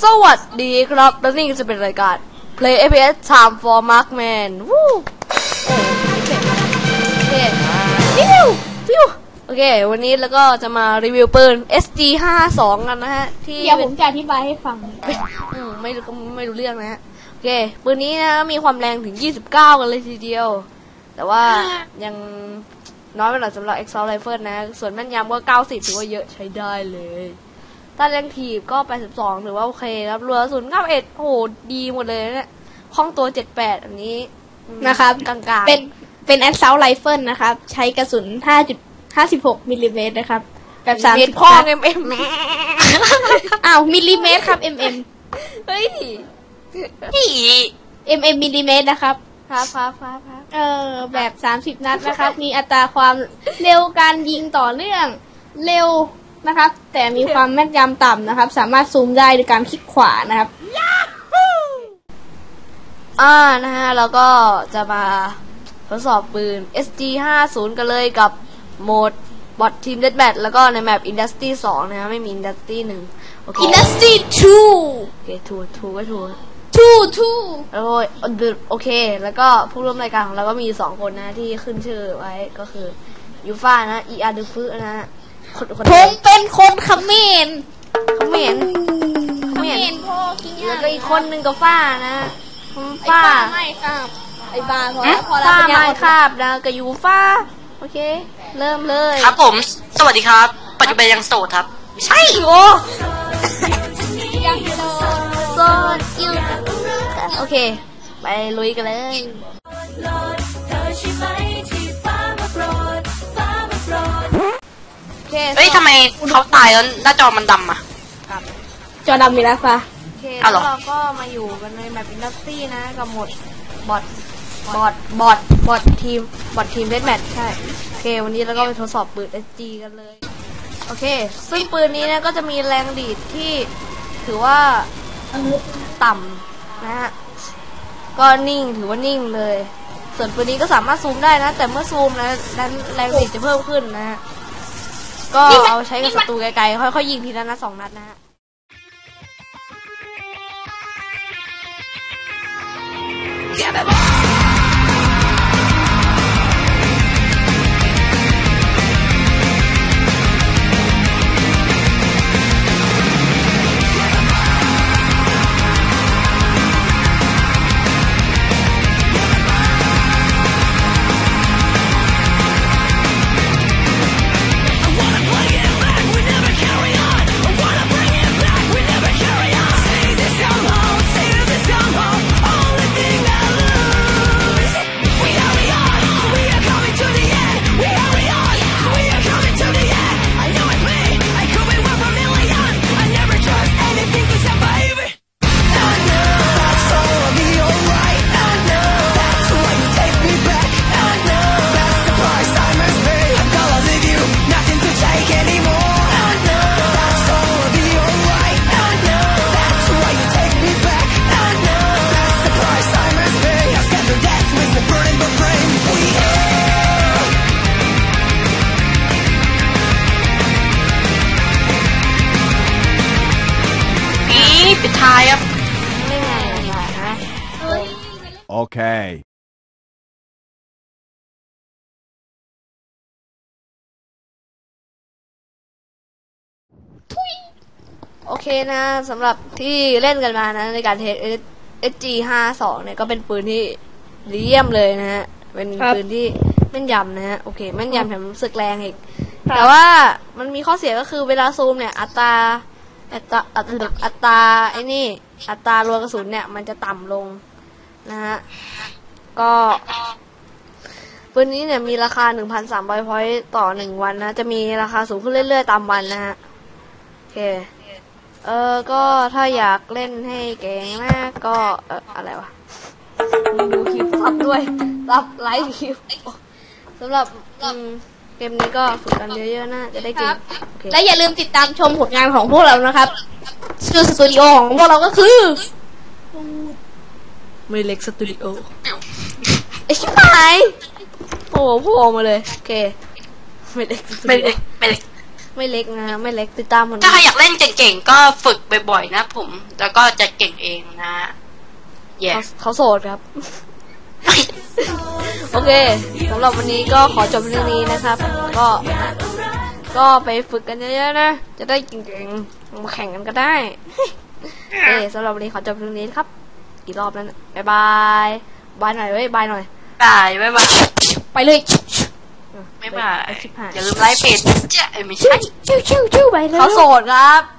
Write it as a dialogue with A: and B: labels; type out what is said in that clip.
A: สวัสดีครับและนี่จะเป็นรายการ Play FPS Time for Markman วู้โอเคโอเควันนี้แล้วก็จะมารีวิวปืน SG52 กันนะฮะที่
B: เดี๋ยวผมจะอธิบายให้ฟัง
A: ไม่รู้เรื่องนะฮะโอเคปืนนี้นะมีความแรงถึง29กันเลยทีเดียวแต่ว่ายังน้อยไปหน่อยสำหรับ Exhaust Rifle นะส่วนแม่นยำก็90ถือว่าเยอะใช้ได้เลยถ้าแรงถีบก็82ถือว่าโอเคครับรัวศูนย์91โอ้โหดีหมดเลยเนี่ยคล่องตัว78อันนี้
B: นะครับ
A: กลาง
B: ๆเป็น Assault Rifle นะครับใช้กระสุน 5.56 มิลลิเมตรนะครับแบบ30
A: ข้อ
B: mm อ้าวมิลลิเมตรครับ mm
A: เฮ้ย
B: mm มิลลิเมตรนะครับแบบ30นัดนะครับมีอัตราความเร็วการยิงต่อเนื่องเร็วนะครับแต่มีความแม่นยำต่ำนะครับสามารถซูมได้โดยการคลิกขวานะครับ
A: นะฮะแล้วก็จะมาทดสอบปืน SG50 กันเลยกับโหมดบอททีมเดธแบทแล้วก็ในแมป Industry 2นะฮะไม่มี Industry 1โอเค
B: Industry 2
A: โอเคถูกแล้วโอเคแล้วก็ผู้ร่วมรายการของเราก็มี2คนนะที่ขึ้นชื่อไว้ก็คือยูฟ่านะอีอาร์ดูฟนะฮะ
B: ผมเป็นคนเขมร
A: พ่อแล้วก็อีกคนนึงก็ฟ้านะ
B: ฟ้าไม่ครับไอ้บ้าพอแล้ว
A: ฟ้าไม่ครับนะกับยูฟ้าโอเคเริ่มเลย
C: ครับผมสวัสดีครับปัจจุบันยังโสดครับ
A: ใช่โอ้ยังโสดอยู่โอเคไปลุยกันเลย
C: เฮ้ยทำไมเขาตายแล้วหน้าจอมันดำอ่ะ
B: จอดำมีแล้วค่ะ
A: โอเคแล้วเราก็มาอยู่กันในแมปอินดัสทรีนะกับหมดบอททีมเดธแมทใช่โอเควันนี้เราก็ไปทดสอบปืน SG กันเลยโอเคซึ่งปืนนี้นะก็จะมีแรงดีดที่ถือว่าต่ำนะฮะก็นิ่งถือว่านิ่งเลยส่วนปืนนี้ก็สามารถซูมได้นะแต่เมื่อซูมนะนั้นแรงดีดจะเพิ่มขึ้นนะฮะก็เอาใช้กับศัตรูไกลๆค่อยๆยิงทีละนัด2 นัดนะฮะ
C: ปิดท้ายครับ
D: โอเค
A: โอเคนะสำหรับที่เล่นกันมานะในการเทส SG52 เนี่ยก็เป็นปืนที่เยี่ยมเลยนะฮะเป็นปืนที่แม่นยำนะฮะโอเคแม่นยำแถมสึกแรงอีกแต่ว่ามันมีข้อเสียก็คือเวลาซูมเนี่ยอัตราไอ้นี่อัตรารัวกระสุนเนี่ยมันจะต่ำลงนะฮะก็ปืนนี้เนี่ยมีราคา 1,300 พอยต์ต่อ1วันนะจะมีราคาสูงขึ้นเรื่อยๆตามวันนะฮะโอเคก็ถ้าอยากเล่นให้เก่งนะก็อะไรวะดูคลิปซับด้วยซับไลฟ์คลิปสำหรับเกมนี้ก็ฝึกกันเยอะๆนะจะได้เก่ง
B: และอย่าลืมติดตามชมผลงานของพวกเรานะครับชื่อสตูดิโอของพวกเราก็คือ
A: ไม่เล็กสตูดิโอไอ้ชิบหายโอ้โหโผล่มาเลยโอเคไม่เล็กไม่เล็กนะไม่เล็กติดตามผล
C: ถ้าใครอยากเล่นเก่งๆก็ฝึกบ่อยๆนะผม แล้วก็จะเก่งเองนะแย่
A: เขาโสดครับ โอเคสำหรับวันนี้ก็ขอจบเรื่องนี้นะครับ ก็ไปฝึกกันเยอะๆนะจะได้เก่งๆมาแข่งกันก็ได้ สำหรับวันนี้ขอจบเรื่องนี้ครับกี่รอบแล้วนะบ๊ายบายบายหน่อยเว้ยบายหน่อย
C: บายบ๊ายบาย
A: ไปเลย
C: บ๊ายบาย
A: ชิบหาย
C: อย่าลืมไลค์เพจนะจ๊ะไม่ใช่
A: ชิวๆไปเลยเขาโสดครับ